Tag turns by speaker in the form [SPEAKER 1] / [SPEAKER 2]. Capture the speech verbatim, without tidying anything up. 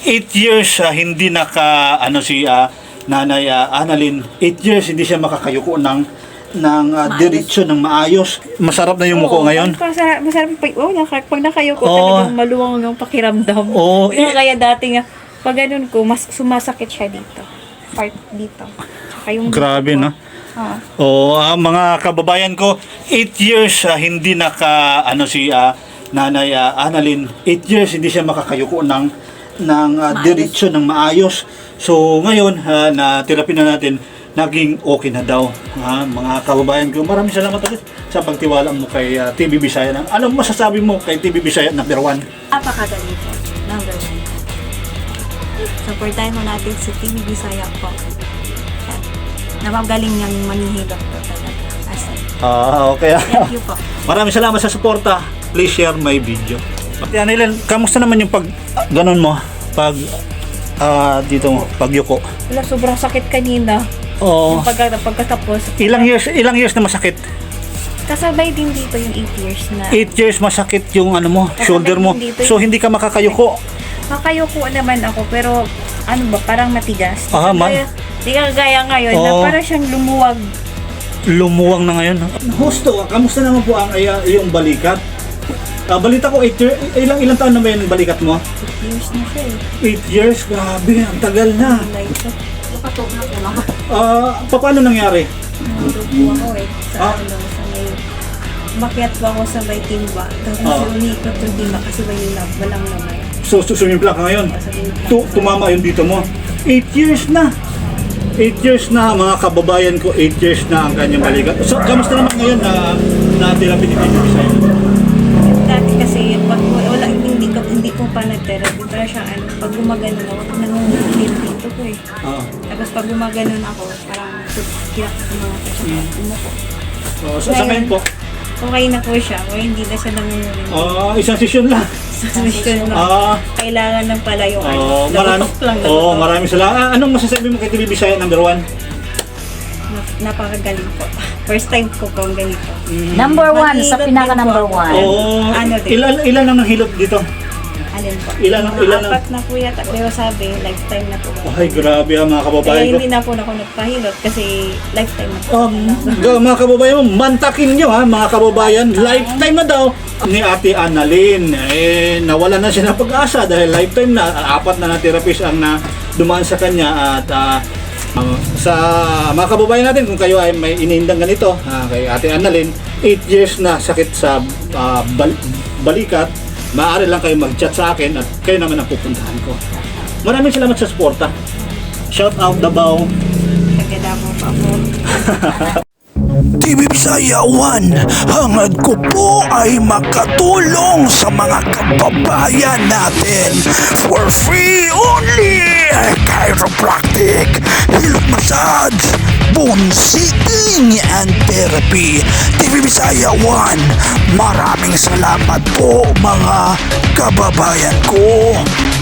[SPEAKER 1] eight years ah, hindi naka ano si ah, Nanay ah, Annalyn, eight years hindi siya makakayuko ng ng uh, diretsyo ng maayos. Masarap na yung muko ngayon.
[SPEAKER 2] Masarap, masarap pag, oh, nakak, pag nakayuko
[SPEAKER 1] Oo.
[SPEAKER 2] talagang maluwang yung pakiramdam.
[SPEAKER 1] Oo.
[SPEAKER 2] Kaya,
[SPEAKER 1] Eh,
[SPEAKER 2] kaya dati nga, pag ganun ko, mas sumasakit siya dito. Part dito. Tsaka yung
[SPEAKER 1] grabe,
[SPEAKER 2] dito ko.
[SPEAKER 1] no?
[SPEAKER 2] Ah.
[SPEAKER 1] Oo, ah, mga kababayan ko, eight years ah, hindi naka ano si ah, Nanay ah, Annalyn, eight years hindi siya makakayuko ng ng uh, diretsyo ng maayos. So ngayon, uh, na therapy na natin, naging okay na daw. Ah, mga kababayan ko, maraming salamat ulit sa pagtiwala mo kay ah, T V Bisaya. Ano masasabi mo kay T V Bisaya number one?
[SPEAKER 2] Apakagaling po. Number one. Supportahin mo natin si T V Bisaya po. Yan. Napagaling niyang manihilap po talaga. As in.
[SPEAKER 1] Ah, okay.
[SPEAKER 2] Thank you po.
[SPEAKER 1] Maraming salamat sa suporta. Please share my video. Pati Annalyn, kamusta naman yung pag ah, ganun mo? Pag ah, dito mo, pagyuko.
[SPEAKER 2] Wala, sobrang sakit kanina.
[SPEAKER 1] Oo.
[SPEAKER 2] Pagka, pagkatapos.
[SPEAKER 1] Ilang years, ilang years na masakit?
[SPEAKER 2] Kasabay din dito yung eight years na.
[SPEAKER 1] eight years masakit yung ano mo,
[SPEAKER 2] Kasabay
[SPEAKER 1] shoulder mo.
[SPEAKER 2] din dito
[SPEAKER 1] So hindi ka makakayuko.
[SPEAKER 2] Makayuko naman ako, pero ano ba, parang matigas.
[SPEAKER 1] Ah, ma-
[SPEAKER 2] Kaya, di ka gaya ngayon na
[SPEAKER 1] Oo.
[SPEAKER 2] parang siyang lumuwag.
[SPEAKER 1] Lumuwang na ngayon. Husto, kamusta naman po ang ay, yung balikat? Ah, balita ko, eight year, ilang ilang taon na ba yung balikat mo?
[SPEAKER 2] eight years na siya eh.
[SPEAKER 1] eight years? Grabe, ang tagal na.
[SPEAKER 2] Like, so, nakatog na ko lang.
[SPEAKER 1] Ah, paano nangyari?
[SPEAKER 2] Nandun po ako eh. Sa
[SPEAKER 1] Ah.
[SPEAKER 2] ano, sa may... Bakyat po ako sa may timba. Tapos
[SPEAKER 1] Ah.
[SPEAKER 2] umiikot yung timba kasi may lab, walang lamay.
[SPEAKER 1] So, susumimpla ka ngayon?
[SPEAKER 2] Sa may
[SPEAKER 1] Tu- tumama yung dito mo. eight years na. eight years na, mga kababayan ko, eight years na ang kanyang balikat. So, kamusta naman ngayon na natira pinitipid sa'yo?
[SPEAKER 2] Dati kasi, pag wala, hindi ko, hindi ko pa nag-therapy. Pero siya, ano, pag gumaganon ako, nangungulit dito ko eh.
[SPEAKER 1] Ah.
[SPEAKER 2] Tapos pag gumaganon ako, parang kinakit mo na siya. Umuko.
[SPEAKER 1] Oh, so, sa ngayon po,
[SPEAKER 2] Okay na po siya. O hindi na siya nangungulit.
[SPEAKER 1] ah, isang session lang.
[SPEAKER 2] Sa mission na.
[SPEAKER 1] Ah,
[SPEAKER 2] Kailangan ng pala yung
[SPEAKER 1] oh,
[SPEAKER 2] ano.
[SPEAKER 1] marami,
[SPEAKER 2] Nabutok lang.
[SPEAKER 1] oh,
[SPEAKER 2] nabutok.
[SPEAKER 1] maraming salamat. Ah, anong masasabi mo kay T V Bisaya number one?
[SPEAKER 2] Na- Napakagaling po. First time ko po ganito.
[SPEAKER 3] Number one,
[SPEAKER 2] Mahilot
[SPEAKER 3] sa pinaka
[SPEAKER 2] din po
[SPEAKER 3] number
[SPEAKER 2] ako.
[SPEAKER 3] one.
[SPEAKER 1] Oo.
[SPEAKER 2] Ano din?
[SPEAKER 1] Ilan, ilan ang nahilot dito?
[SPEAKER 2] Alin po?
[SPEAKER 1] Ilan ang-
[SPEAKER 2] Mga
[SPEAKER 1] ilan ang-
[SPEAKER 2] apat na po yata. Pero sabi, lifetime na po.
[SPEAKER 1] Ay, grabe ah, mga
[SPEAKER 2] Kaya
[SPEAKER 1] kababayan ko.
[SPEAKER 2] hindi na po ako nagpahilot kasi lifetime na po.
[SPEAKER 1] Um, ga- mga kababayan mo, mantakin nyo ha, mga kababayan, lifetime na daw ni Ate Annalyn. Eh, nawala na siya ng pag-asa dahil lifetime na, apat na na therapist ang na dumaan sa kanya at ah, uh, sa mga kababayan natin, kung kayo ay may inihindang ganito ah, kay Ate Annalyn, eight years na sakit sa ah, bal- balikat, maaari lang kayo mag-chat sa akin at kayo naman ang pupuntahan ko. Maraming salamat sa suporta. Shout out Davao.
[SPEAKER 2] Tagada mo pa po.
[SPEAKER 4] T V Bisaya one, hangad ko po ay makatulong sa mga kababayan natin for free only. Chiropractic, hilot massage, bone sitting and therapy. T V Bisaya one, maraming salamat po mga kababayan ko.